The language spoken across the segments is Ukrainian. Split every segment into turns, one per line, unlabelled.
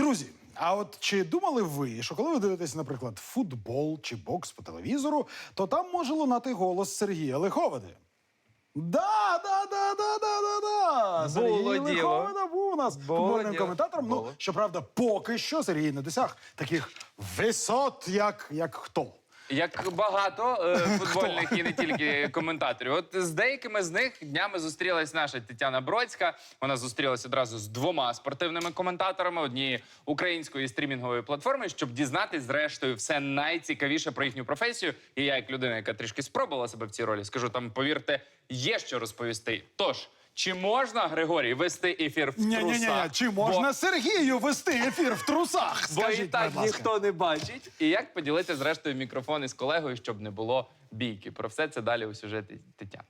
Друзі, а от чи думали ви, що коли ви дивитесь, наприклад, футбол чи бокс по телевізору, то там може лунати голос Сергія Лиховиди? Да. Сергій Лиховида був у нас футбольним коментатором. Ну, щоправда, поки що Сергій не досяг таких висот, як хто?
Як багато футбольних і не тільки коментаторів. От з деякими з них днями зустрілась наша Тетяна Бродська. Вона зустрілася одразу з двома спортивними коментаторами однієї української стрімінгової платформи, щоб дізнатись, зрештою, все найцікавіше про їхню професію. І я, як людина, яка трішки спробувала себе в цій ролі, скажу, там, повірте, є що розповісти. Тож, чи можна, Григорій, вести ефір в трусах?
Ні-ні-ні, чи можна Сергію вести ефір в трусах?
Бо
Скажіть,
і так
будь ласка.
ніхто не бачить. І як поділити, зрештою, мікрофон із колегою, щоб не було бійки? Про все це далі у сюжеті Тетяни.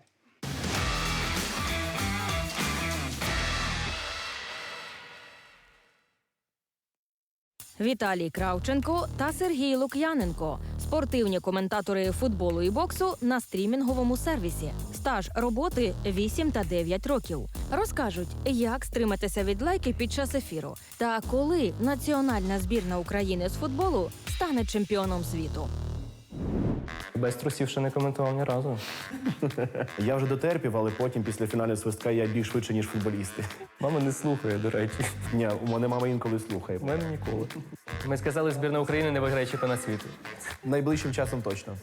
Віталій Кравченко та Сергій Лук'яненко – спортивні коментатори футболу і боксу на стрімінговому сервісі. Стаж роботи 8 та 9 років. Розкажуть, як стриматися від лайки під час ефіру та коли національна збірна України з футболу стане чемпіоном світу.
Без трусів ще не коментував ні разу.
Я вже дотерпів, але потім, після фінального свистка, я біг швидше, ніж футболісти.
Мама не слухає, до речі.
Ні, у мене мама інколи слухає.
У мене ніколи. Ми сказали, збірна України не виграє чемпіонат світу.
Найближчим часом точно.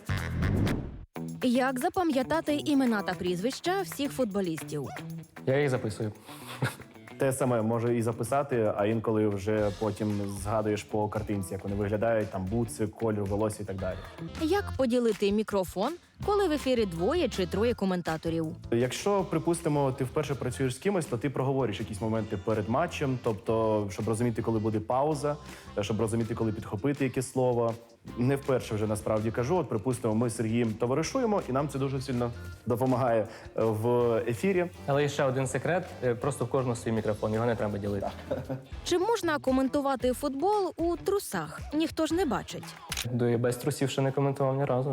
Як запам'ятати імена та прізвища всіх футболістів?
Я їх записую.
Те саме може і записати, а інколи вже потім згадуєш по картинці, як вони виглядають, там бутси, кольор, волосся і так далі.
Як поділити мікрофон, коли в ефірі двоє чи троє коментаторів?
Якщо, припустимо, ти вперше працюєш з кимось, то ти проговориш якісь моменти перед матчем, тобто, щоб розуміти, коли буде пауза, щоб розуміти, коли підхопити яке слово. Не вперше вже насправді кажу. От, припустимо, ми з Сергієм товаришуємо, і нам це дуже сильно допомагає в ефірі.
Але є ще один секрет. Просто в кожного свій мікрофон, його не треба ділити.
Чи можна коментувати футбол у трусах? Ніхто ж не бачить.
До без трусів ще не коментував ні разу.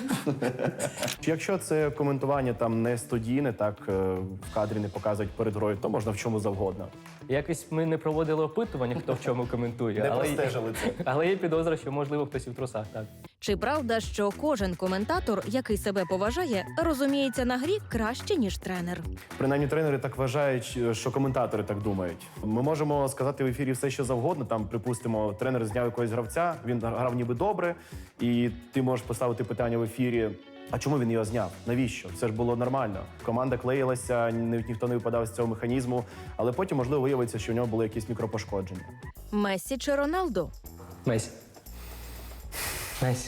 Якщо це коментування там не студійне, так в кадрі не показують перед грою, то можна в чому завгодно.
Якось ми не проводили опитування, хто в чому коментує.
Не простежили це.
Але є підозра, що, можливо, хтось і в трусах, так.
Чи правда, що кожен коментатор, який себе поважає, розуміється на грі краще, ніж тренер?
Принаймні тренери так вважають, що коментатори так думають. Ми можемо сказати в ефірі все, що завгодно. Там, припустимо, тренер зняв якогось гравця, він грав ніби добре, і ти можеш поставити питання в ефірі, а чому він його зняв? Навіщо? Це ж було нормально. Команда клеїлася, ніхто не випадав з цього механізму, але потім, можливо, виявиться, що у нього були якісь мікропошкодження.
Мессі чи Роналду?
Месі. Месі.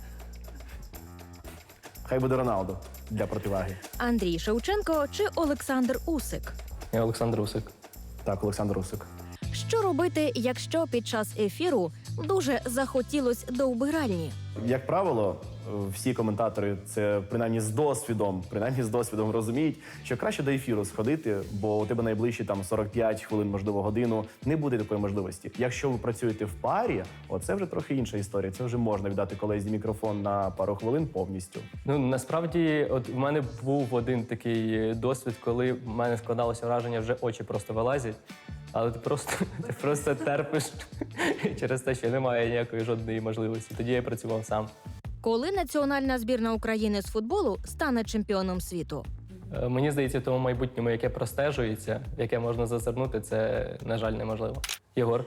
Хай буде Роналдо для противаги.
Андрій Шевченко чи Олександр Усик?
Я Олександр Усик.
Так, Олександр Усик.
Що робити, якщо під час ефіру дуже захотілось до вбиральні?
Як правило, всі коментатори це принаймні з досвідом розуміють, що краще до ефіру сходити, бо у тебе найближчі там 45 хвилин, можливо, годину, не буде такої можливості. Якщо ви працюєте в парі, оце вже трохи інша історія. Це вже можна віддати колезі мікрофон на пару хвилин повністю.
Ну, насправді, от в мене був один такий досвід, коли в мене складалося враження, вже очі просто вилазять. Але ти просто терпиш через те, що немає ніякої жодної можливості. Тоді я працював сам.
Коли національна збірна України з футболу стане чемпіоном світу?
Мені здається, в тому майбутньому, яке простежується, яке можна зазирнути, це, на жаль, неможливо. Єгор?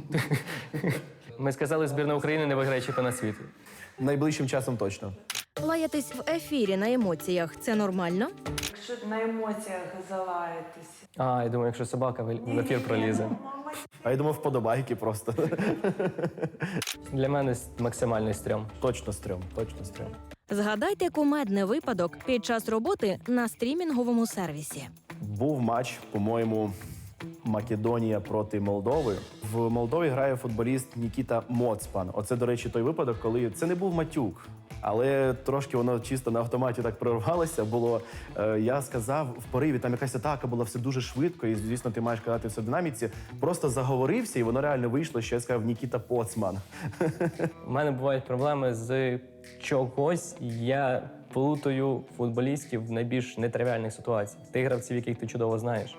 Ми сказали, збірна України не виграє чемпіонат світу.
Найближчим часом точно.
Лаятись в ефірі на емоціях – це нормально?
Якщо на емоціях залаєтесь.
А, я думаю, якщо собака в ефір пролізе.
А я думав, вподобайки просто.
Для мене максимальний стрьом.
Точно стрьом.
Згадайте кумедний випадок під час роботи на стрімінговому сервісі.
Був матч, по-моєму, Македонія проти Молдови. В Молдові грає футболіст Нікіта Моцпан. Оце, до речі, той випадок, коли це не був матюк. Але трошки воно чисто на автоматі так прорвалося. Було, я сказав, в пориві, там якась атака була, все дуже швидко, і, звісно, ти маєш казати все в динаміці. Просто заговорився, і воно реально вийшло, що я сказав Нікіта Поцман.
У мене бувають проблеми з чогось. Я плутаю футболістів в найбільш нетривіальних ситуаціях. Тих гравців, яких ти чудово знаєш.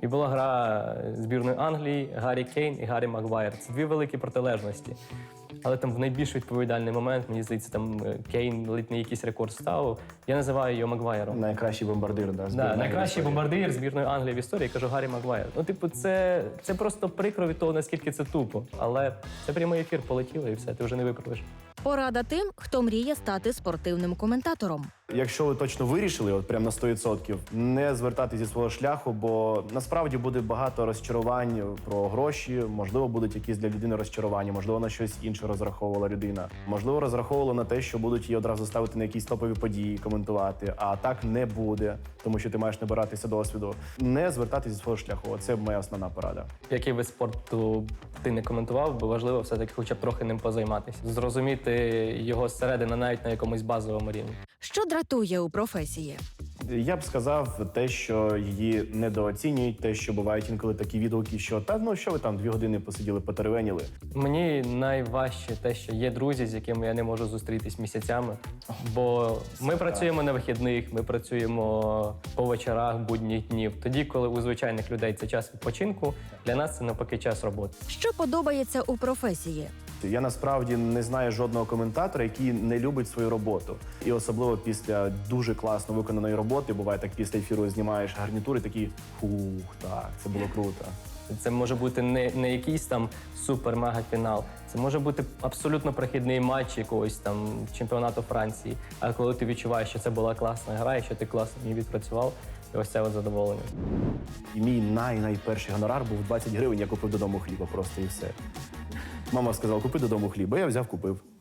І була гра збірної Англії, Гаррі Кейн і Гаррі Магуайр. Це дві великі протилежності. Але там в найбільш відповідальний момент, мені здається, там Кейн ледь не якийсь рекорд ставив. Я називаю його Магуайром.
Найкращий бомбардир, да, збірної
Найкращий
Англії.
бомбардир збірної Англії в історії, я кажу Гаррі Магуайр. Ну, типу, це просто прикро від того, наскільки це тупо. Але це прямий ефір, полетіло і все, ти вже не виправиш.
Порада тим, хто мріє стати спортивним коментатором.
Якщо ви точно вирішили, от прям на 100%, не звертати зі свого шляху, бо насправді буде багато розчарувань про гроші, можливо, будуть якісь для людини розчарування, можливо, на щось інше розраховувала людина. Можливо, розраховувала на те, що будуть її одразу ставити на якісь топові події, коментувати, а так не буде, тому що ти маєш набиратися досвіду. Не звертати зі свого шляху. Оце моя основна порада.
Який вид спорту ти не коментував, бо важливо все-таки хоча б трохи ним позайматися. Зрозуміти його зсередини навіть на якомусь базовому рівні.
Що дратує у професії?
Я б сказав те, що її недооцінюють, те, що бувають інколи такі відгуки, що та ну що ви там 2 години посиділи, потеревеніли.
Мені найважче те, що є друзі, з якими я не можу зустрітись місяцями. Бо ми працюємо на вихідних, ми працюємо по вечорах, будніх днів. Тоді, коли у звичайних людей це час відпочинку, для нас це навпаки час роботи.
Що подобається у професії?
Я насправді не знаю жодного коментатора, який не любить свою роботу. І особливо після дуже класно виконаної роботи, буває так, після ефіру знімаєш гарнітури, такі фух, так, це було круто.
Це може бути не якийсь там супер-мега-фінал. Це може бути абсолютно прохідний матч якогось там чемпіонату Франції. А коли ти відчуваєш, що це була класна гра, і що ти класно її відпрацював, і ось це от задоволення.
І мій найперший гонорар був 20 гривень, я купив додому хліба просто і все. Мама сказала, купи додому хліба, я взяв, купив.